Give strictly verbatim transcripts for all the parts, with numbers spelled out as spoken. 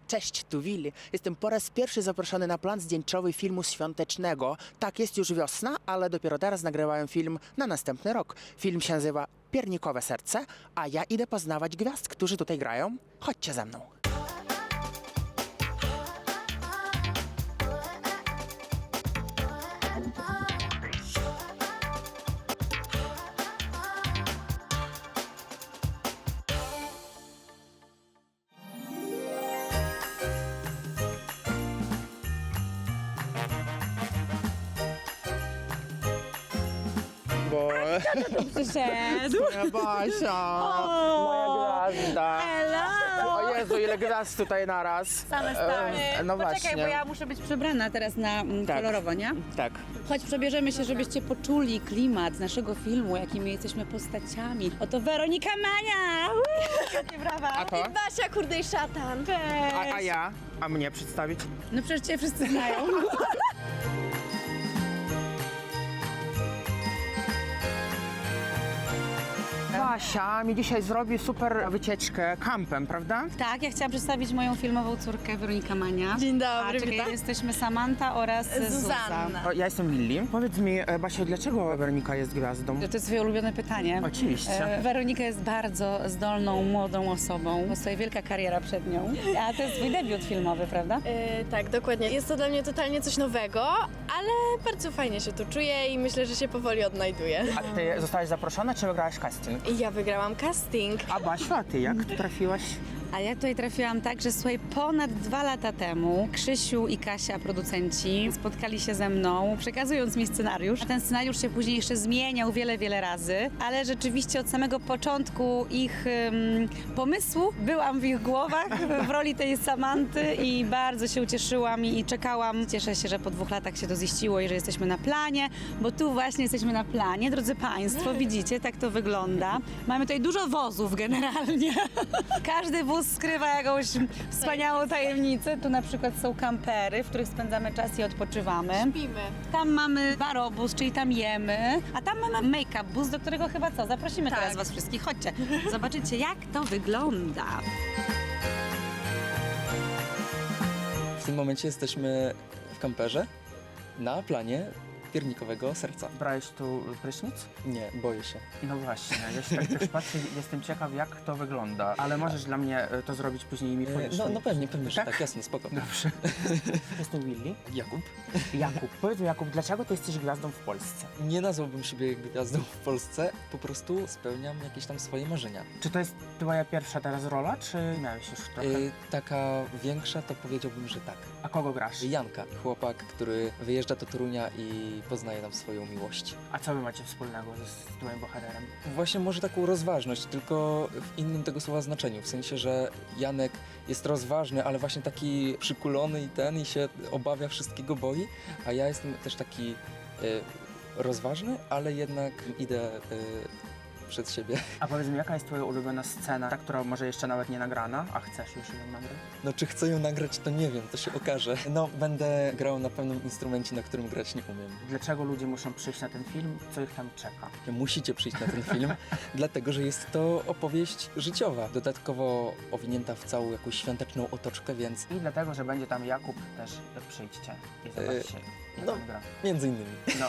Cześć, tu Willy. Jestem po raz pierwszy zaproszony na plan zdjęciowy filmu świątecznego. Tak, jest już wiosna, ale dopiero teraz nagrywają film na następny rok. Film się nazywa Piernikowe serce, a ja idę poznawać gwiazd, którzy tutaj grają. Chodźcie ze mną. Bo... Przyszedł. Moja Basia, moja gwiazda. Hello! O Jezu, ile gwiazd tutaj naraz. Same stare. E, No Poczekaj, właśnie. bo ja muszę być przebrana teraz na mm, Tak. kolorowo, nie? Tak. Chodź, przebierzemy się, żebyście poczuli klimat naszego filmu, jakimi jesteśmy postaciami. Oto Weronika Mania! Jakie brawa! A to? Basia, kurde i szatan. A, a ja? A mnie przedstawić? No przecież cię wszyscy znają. Basia mi dzisiaj zrobi super wycieczkę kampem, prawda? Tak, ja chciałam przedstawić moją filmową córkę Weronika Mania. Dzień A dobry, czekaj, witam. jesteśmy Samanta oraz Zuzanna. Zuza. O, ja jestem Willy. Powiedz mi, e, Basia, dlaczego Weronika jest gwiazdą? To jest twoje ulubione pytanie. Oczywiście. E, Weronika jest bardzo zdolną, młodą osobą. Stoi wielka kariera przed nią. A to jest twój debiut filmowy, prawda? E, tak, dokładnie. Jest to dla mnie totalnie coś nowego, ale bardzo fajnie się tu czuję i myślę, że się powoli odnajduję. A ty zostałaś zaproszona, czy wygrałaś casting? I ja wygrałam casting. A Basiu, a ty jak tu trafiłaś? A ja tutaj trafiłam tak, że słuchaj, ponad dwa lata temu Krzysiu i Kasia, producenci, spotkali się ze mną, przekazując mi scenariusz. A ten scenariusz się później jeszcze zmieniał wiele, wiele razy, ale rzeczywiście od samego początku ich ym, pomysłu byłam w ich głowach w roli tej Samanty i bardzo się ucieszyłam i czekałam. Cieszę się, że po dwóch latach się to ziściło i że jesteśmy na planie, bo tu właśnie jesteśmy na planie. Drodzy Państwo, widzicie, tak to wygląda. Mamy tutaj dużo wozów generalnie. Każdy wóz skrywa jakąś wspaniałą tajemnicę. Tu na przykład są kampery, w których spędzamy czas i odpoczywamy. Pimy. Tam mamy barobus, czyli tam jemy, a tam mamy make-up bus, do którego chyba co? Zaprosimy Tak. teraz Was wszystkich. Chodźcie, zobaczycie jak to wygląda. W tym momencie jesteśmy w kamperze na planie Piernikowego serca. Brałeś tu prysznic? Nie, boję się. No właśnie, ja się tak też patrzę, jestem ciekaw, jak to wygląda. Ale możesz dla mnie e, to zrobić później i mi E, powiesz. No, no pewnie, pewnie, że Tak? tak, jasne, spoko. Dobrze. Jestem Willy. Jakub? Jakub, powiedz mi Jakub, dlaczego ty jesteś gwiazdą w Polsce? Nie nazwałbym siebie gwiazdą w Polsce, po prostu spełniam jakieś tam swoje marzenia. Czy to jest twoja pierwsza teraz rola, czy miałeś już trochę? E, taka większa to powiedziałbym, że tak. A kogo grasz? Janka, chłopak, który wyjeżdża do Torunia i poznaje tam swoją miłość. A co wy macie wspólnego z, z twoim bohaterem? Właśnie może taką rozważność, tylko w innym tego słowa znaczeniu. W sensie, że Janek jest rozważny, ale właśnie taki przykulony i ten i się obawia wszystkiego, boi, a ja jestem też taki y, rozważny, ale jednak idę y, przed siebie. A powiedz mi, jaka jest twoja ulubiona scena, ta, która może jeszcze nawet nie nagrana, a chcesz już ją nagrać? No czy chcę ją nagrać, to nie wiem, to się okaże. No będę grał na pewnym instrumencie, na którym grać nie umiem. Dlaczego ludzie muszą przyjść na ten film? Co ich tam czeka? Musicie przyjść na ten film, dlatego że jest to opowieść życiowa, dodatkowo owinięta w całą jakąś świąteczną otoczkę, więc I dlatego, że będzie tam Jakub, też przyjdźcie i zobaczcie, jak no. on gra. między innymi. No.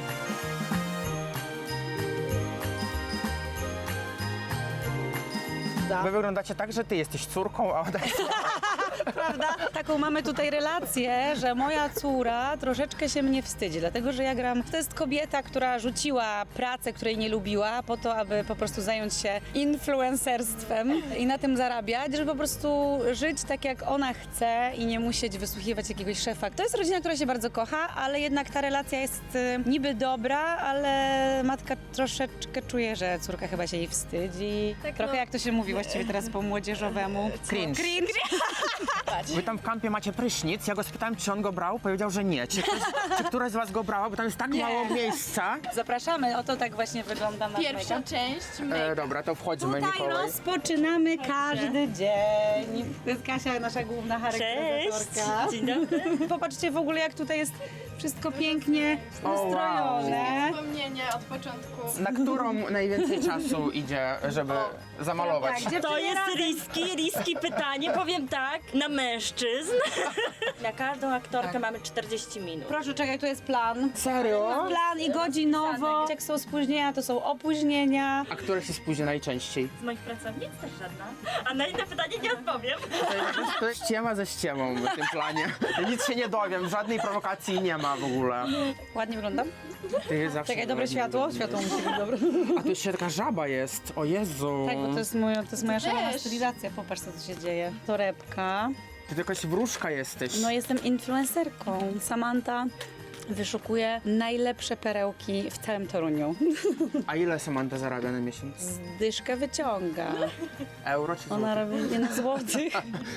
Wy wyglądacie tak, że ty jesteś córką, a ona jest... Prawda? Taką mamy tutaj relację, że moja córa troszeczkę się mnie wstydzi, dlatego że ja gram, to jest kobieta, która rzuciła pracę, której nie lubiła, po to, aby po prostu zająć się influencerstwem i na tym zarabiać, żeby po prostu żyć tak, jak ona chce i nie musieć wysłuchiwać jakiegoś szefa. To jest rodzina, która się bardzo kocha, ale jednak ta relacja jest y, niby dobra, ale matka troszeczkę czuje, że córka chyba się jej wstydzi. Tak, Trochę no. jak to się mówi właściwie teraz po młodzieżowemu. Cringe. Cringe. Wy tam w kampie macie prysznic, ja go spytałem, czy on go brał, powiedział, że nie. Czy, ktoś, czy któraś z was go brała, bo tam jest tak Nie. mało miejsca. Zapraszamy, oto tak właśnie wygląda nasz Pierwsza make-up. część. E, dobra, to wchodźmy, Tutaj Mikołaj. rozpoczynamy każdy dzień. To jest Kasia, nasza główna charakteryzatorka. Dzień dobry. Popatrzcie w ogóle, jak tutaj jest wszystko pięknie ustrojone. Wspomnienie od początku. Na którą najwięcej czasu idzie, żeby zamalować? Tak, To jest riski, riski pytanie. Powiem tak, na męża mężczyzn. Na każdą aktorkę mamy czterdzieści minut. Proszę, czekaj, tu jest plan. Serio? Plan i godzinowo. Jak są spóźnienia, to są opóźnienia. A które się spóźnia najczęściej? Z moich pracownic też żadna. A na inne pytanie nie odpowiem. To jest ściema ze ściemą w tym planie. Ja nic się nie dowiem, żadnej prowokacji nie ma w ogóle. Ładnie wyglądam? Ty zawsze Czekaj, dobre ładnie światło? wyglądasz. Światło musi być dobre. A tu jeszcze taka żaba jest, o Jezu. Tak, bo to jest, moja, to jest moja szalona też. stylizacja. Popatrz, co tu się dzieje. Torebka. Ty jakaś wróżka jesteś. No jestem influencerką. Samantha wyszukuje najlepsze perełki w całym Toruniu. A ile Samantha zarabia na miesiąc? Dyszkę wyciąga. Euro czy Ona złotych? robi nie na złotych.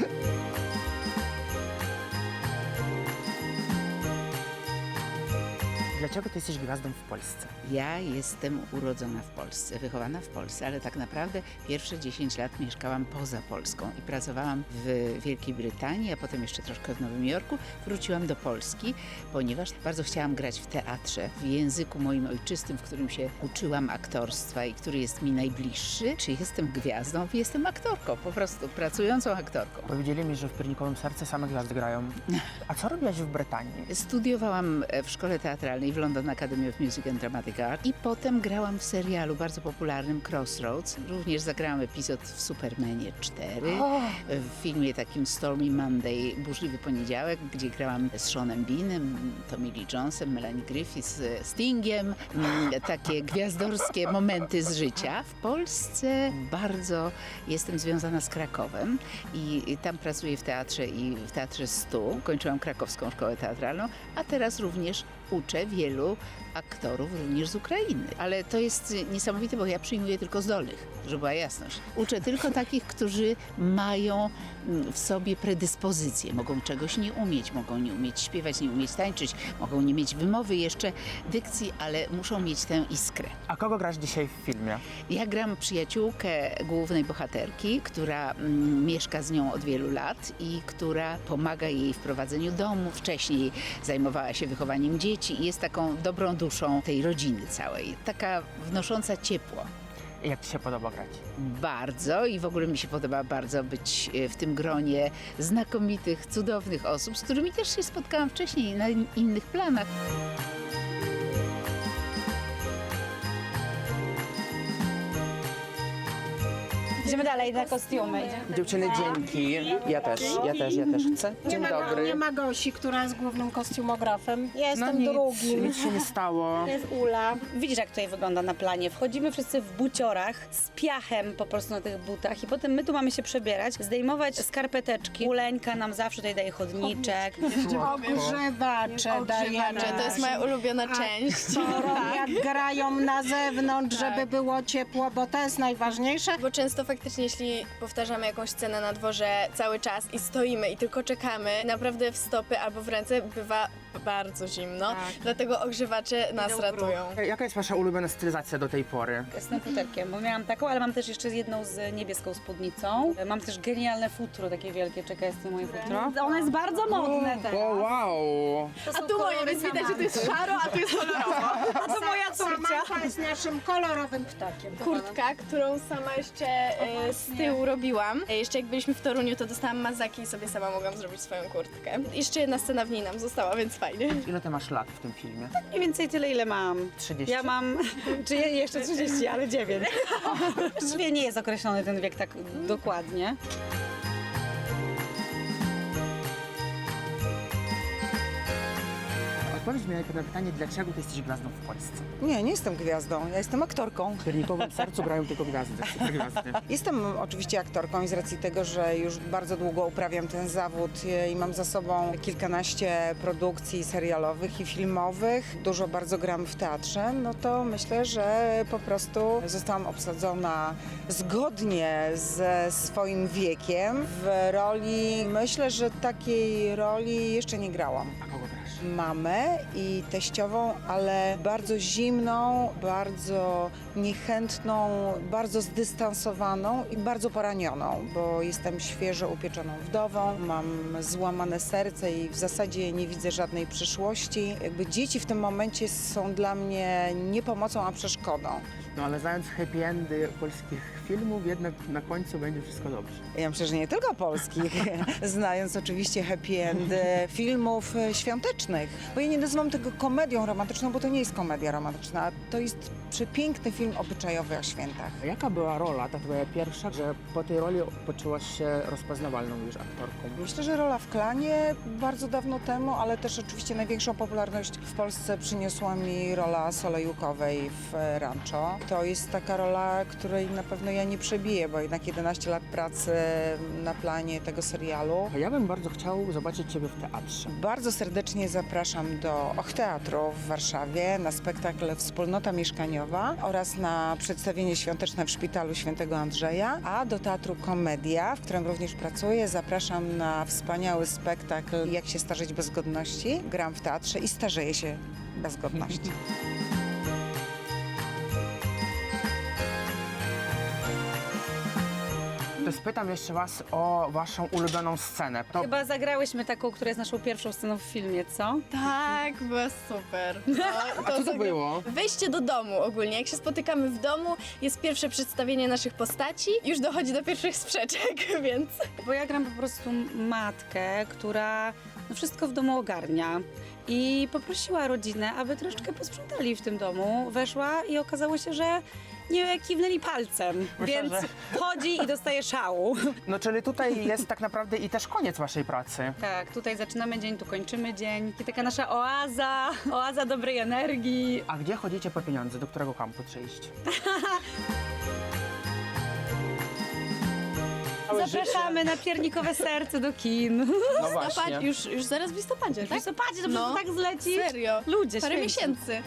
Dlaczego ty jesteś gwiazdą w Polsce? Ja jestem urodzona w Polsce, wychowana w Polsce, ale tak naprawdę pierwsze dziesięć lat mieszkałam poza Polską i pracowałam w Wielkiej Brytanii, a potem jeszcze troszkę w Nowym Jorku. Wróciłam do Polski, ponieważ bardzo chciałam grać w teatrze, w języku moim ojczystym, w którym się uczyłam aktorstwa i który jest mi najbliższy. Czy jestem gwiazdą? Jestem aktorką, po prostu pracującą aktorką. Powiedzieli mi, że w Piernikowym Serce same gwiazdy grają. A co robiłaś w Brytanii? Studiowałam w szkole teatralnej w London Academy of Music and Dramatic Art i potem grałam w serialu bardzo popularnym Crossroads. Również zagrałam epizod w Supermanie cztery, w filmie takim Stormy Monday, Burzliwy Poniedziałek, gdzie grałam z Seanem Beanem, Tommy Lee Jonesem, Melanie Griffith, Stingiem. Mm, Takie gwiazdorskie momenty z życia. W Polsce bardzo jestem związana z Krakowem i i tam pracuję w teatrze i w Teatrze stu. Kończyłam krakowską szkołę teatralną, a teraz również uczę wielu aktorów również z Ukrainy. Ale to jest niesamowite, bo ja przyjmuję tylko zdolnych, żeby była jasność. Uczę tylko takich, którzy mają mm, w sobie predyspozycje. Mogą czegoś nie umieć, mogą nie umieć śpiewać, nie umieć tańczyć, mogą nie mieć wymowy jeszcze, dykcji, ale muszą mieć tę iskrę. A kogo grasz dzisiaj w filmie? Ja gram przyjaciółkę głównej bohaterki, która mm, mieszka z nią od wielu lat i która pomaga jej w prowadzeniu domu. Wcześniej zajmowała się wychowaniem dzieci i jest taką dobrą duszą tej rodziny całej. Taka wnosząca ciepło. Jak ci się podoba grać? Bardzo i w ogóle mi się podoba bardzo być e, w tym gronie znakomitych, cudownych osób, z którymi też się spotkałam wcześniej na in- innych planach. Idziemy dalej na kostiumy. Dziewczyny, dzięki. Ja też, ja też, ja też chcę. Dzień Nie ma, dobry. nie ma Gosi, która jest głównym kostiumografem. Ja No jestem nic, drugim. nic się nie stało. To jest Ula. Widzisz, jak tutaj wygląda na planie. Wchodzimy wszyscy w buciorach, z piachem po prostu na tych butach i potem my tu mamy się przebierać, zdejmować skarpeteczki. Uleńka nam zawsze tutaj daje chodniczek. Ogrzewacze dajemy. To jest moja ulubiona część. To jak grają na zewnątrz, żeby było ciepło, bo to jest najważniejsze. Bo często faktycznie, jeśli powtarzamy jakąś scenę na dworze cały czas i stoimy i tylko czekamy, naprawdę w stopy albo w ręce bywa bardzo zimno. Dlatego ogrzewacze nas ratują. Jaka jest wasza ulubiona stylizacja do tej pory? Z futerkiem, bo miałam taką, ale mam też jeszcze jedną z niebieską spódnicą. Mam też genialne futro, takie wielkie. Czekaj, jest to moje futro. Ono jest bardzo modne teraz. O, wow! A tu moje, więc widać, że to jest szaro, a tu jest kolorowo. A to moja córcia. Samantha jest naszym kolorowym ptakiem. Kurtka, którą sama jeszcze e, z tyłu robiłam. E, jeszcze jak byliśmy w Toruniu, to dostałam mazaki i sobie sama mogłam zrobić swoją kurtkę. Jeszcze jedna scena w niej nam została, więc fajnie. Ile ty masz lat w tym filmie? Mniej więcej tyle, ile mam. trzydzieści. Ja mam, czy je- jeszcze trzydzieści, ale dziewięć. Właściwie nie jest określony ten wiek tak dokładnie. Odpowiedz mi najpierw na pytanie, dlaczego ty jesteś gwiazdą w Polsce? Nie, nie jestem gwiazdą, ja jestem aktorką. W Piernikowym Sercu grają tylko gwiazdy, super gwiazdy. Jestem oczywiście aktorką i z racji tego, że już bardzo długo uprawiam ten zawód i mam za sobą kilkanaście produkcji serialowych i filmowych, dużo bardzo gram w teatrze, no to myślę, że po prostu zostałam obsadzona zgodnie ze swoim wiekiem w roli, myślę, że takiej roli jeszcze nie grałam. A kogo grasz? Mamę i teściową, ale bardzo zimną, bardzo niechętną, bardzo zdystansowaną i bardzo poranioną, bo jestem świeżo upieczoną wdową, mam złamane serce i w zasadzie nie widzę żadnej przyszłości. Jakby dzieci w tym momencie są dla mnie nie pomocą, a przeszkodą. No ale znając happy endy polskich filmów, jednak na końcu będzie wszystko dobrze. Ja myślę, że nie tylko polskich, znając oczywiście happy endy filmów e, świątecznych, bo ja nie nazywam tego komedią romantyczną, bo to nie jest komedia romantyczna, to jest przepiękny film obyczajowy o świętach. A jaka była rola, ta twoja pierwsza, że po tej roli poczułaś się rozpoznawalną już aktorką? Myślę, że rola w Klanie bardzo dawno temu, ale też oczywiście największą popularność w Polsce przyniosła mi rola Solejukowej w e, Rancho. To jest taka rola, której na pewno ja nie przebiję, bo jednak jedenaście lat pracy na planie tego serialu. A ja bym bardzo chciał zobaczyć ciebie w teatrze. Bardzo serdecznie zapraszam do Och Teatru w Warszawie na spektakl Wspólnota Mieszkaniowa oraz na przedstawienie świąteczne w Szpitalu Świętego Andrzeja, a do Teatru Komedia, w którym również pracuję, zapraszam na wspaniały spektakl Jak się starzeć bez godności. Gram w teatrze i starzeję się bez godności. To spytam jeszcze was o waszą ulubioną scenę. To Chyba zagrałyśmy taką, która jest naszą pierwszą sceną w filmie, co? Tak, była super. No, A co to zagra- było? Wejście do domu ogólnie. Jak się spotykamy w domu, jest pierwsze przedstawienie naszych postaci, już dochodzi do pierwszych sprzeczek, więc... Bo ja gram po prostu matkę, która no wszystko w domu ogarnia. I poprosiła rodzinę, aby troszeczkę posprzątali w tym domu. Weszła i okazało się, że nie kiwnęli palcem, Myślę, więc że- chodzi i dostaje szału. No czyli tutaj jest tak naprawdę i też koniec waszej pracy. Tak, tutaj zaczynamy dzień, tu kończymy dzień. I taka nasza oaza, oaza dobrej energii. A gdzie chodzicie po pieniądze? Do którego kampu przyjść? Zapraszamy na piernikowe serce do kin. No Listopad, właśnie. już, już zaraz w listopadzie, W tak? listopadzie to No, no, tak zleci. Serio. Ludzie, Parę święci. miesięcy.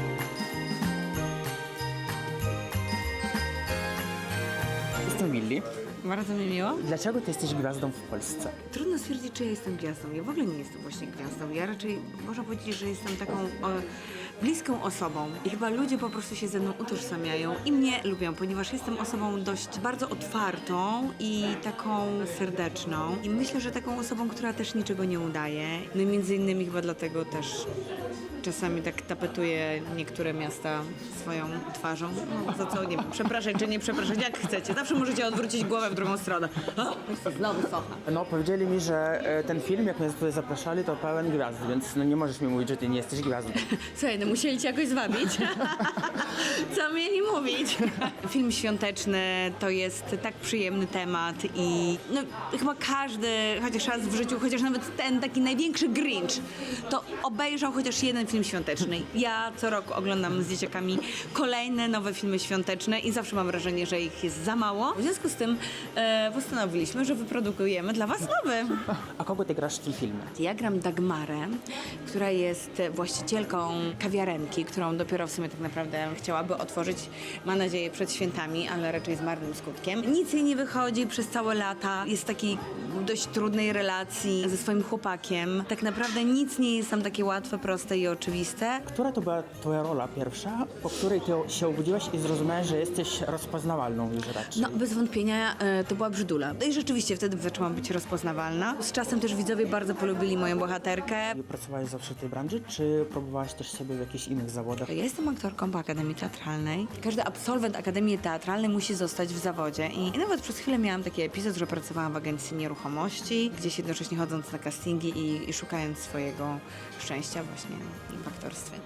Jestem Willi. Bardzo mi miło. Dlaczego ty jesteś gwiazdą w Polsce? Trudno stwierdzić, czy ja jestem gwiazdą. Ja w ogóle nie jestem właśnie gwiazdą. Ja raczej można powiedzieć, że jestem taką o, bliską osobą. I chyba ludzie po prostu się ze mną utożsamiają i mnie lubią, ponieważ jestem osobą dość bardzo otwartą i taką serdeczną. I myślę, że taką osobą, która też niczego nie udaje. No i między innymi chyba dlatego też czasami tak tapetuję niektóre miasta swoją twarzą. No, za co, nie wiem, przepraszać czy nie przepraszać, jak chcecie. Zawsze możecie odwrócić głowę w drugą stronę. O, znowu socha. No powiedzieli mi, że e, ten film, jak mnie tutaj zapraszali, to pełen gwiazd, więc no nie możesz mi mówić, że ty nie jesteś gwiazdą. Słuchaj, no musieli cię jakoś zwabić. Co mieli mówić? Film świąteczny to jest tak przyjemny temat i no, chyba każdy chociaż raz w życiu, chociaż nawet ten taki największy Grinch, to obejrzał chociaż jeden film świąteczny. Ja co roku oglądam z dzieciakami kolejne nowe filmy świąteczne i zawsze mam wrażenie, że ich jest za mało. W związku z tym e, postanowiliśmy, że wyprodukujemy dla was nowy. A kogo ty grasz w tym filmie? Ja gram Dagmarę, która jest właścicielką kawiarenki, którą dopiero w sumie tak naprawdę chciałaby otworzyć, ma nadzieję, przed świętami, ale raczej z marnym skutkiem. Nic jej nie wychodzi przez całe lata, jest w takiej dość trudnej relacji ze swoim chłopakiem. Tak naprawdę nic nie jest tam takie łatwe, proste i oczywiste. Która to była twoja rola pierwsza, po której ty się obudziłaś i zrozumiałaś, że jesteś rozpoznawalną już raczej? No, bez wątpienia e, to była Brzydula. No i rzeczywiście wtedy zaczęłam być rozpoznawalna. Z czasem też widzowie bardzo polubili moją bohaterkę. Pracowałaś zawsze w tej branży, czy próbowałaś też sobie w jakichś innych zawodach? Ja jestem aktorką po Akademii Teatralnej. Każdy absolwent Akademii Teatralnej musi zostać w zawodzie. I nawet przez chwilę miałam taki epizod, że pracowałam w agencji nieruchomości, gdzieś jednocześnie chodząc na castingi i, i szukając swojego szczęścia właśnie w aktorstwie.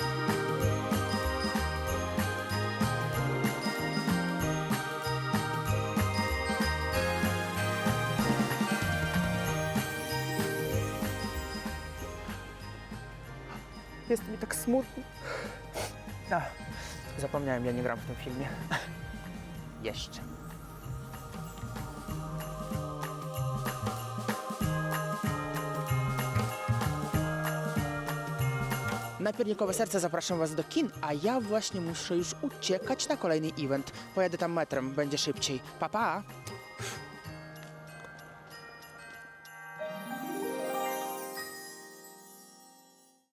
Jest mi tak smutno. Ach, zapomniałem, ja nie gram w tym filmie. Jeszcze. Na Piernikowe Serce zapraszam was do kin, a ja właśnie muszę już uciekać na kolejny event. Pojadę tam metrem, będzie szybciej. Pa, pa!